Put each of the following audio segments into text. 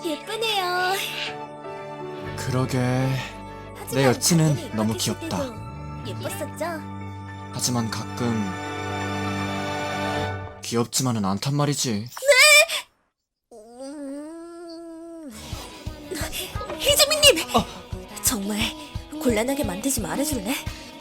예쁘네요. 그러게. 하지만 내 여친은 당연히 너무 입학했을 귀엽다. 때도 예뻤었죠? 하지만 가끔 귀엽지만은 않단 말이지. 희재민님! 정말 곤란하게 만들지 말아줄래?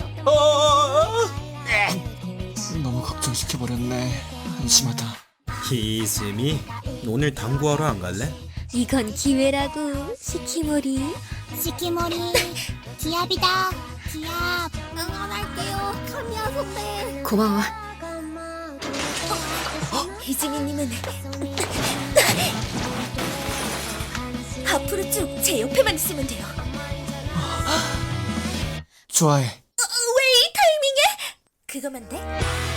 너무 걱정시켜버렸네. 한심하다. 희수미, 오늘 당구하러 안 갈래? 이건 기회라고, 시키모리. 시키모리 기합이다. 기합. 응원할게요, 카미야 선배. 고마워. 희재민님은 앞으로 쭉 제 옆에만 있으면 돼요. 좋아해. 왜 이 타이밍에? 그거만 돼?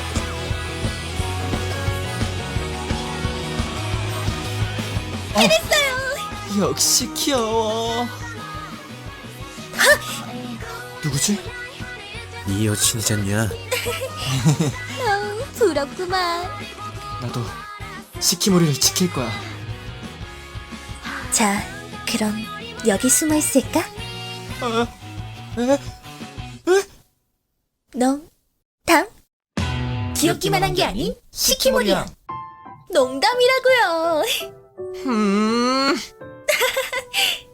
해냈어요! 역시 귀여워. 누구지? 네 여친이잖냐? 부럽구만. 나도 시키모리를 지킬 거야. 자, 그럼 여기 숨어 있을까? 농담? 귀엽기만 한 게 아닌 시키모리야. 농담이라고요.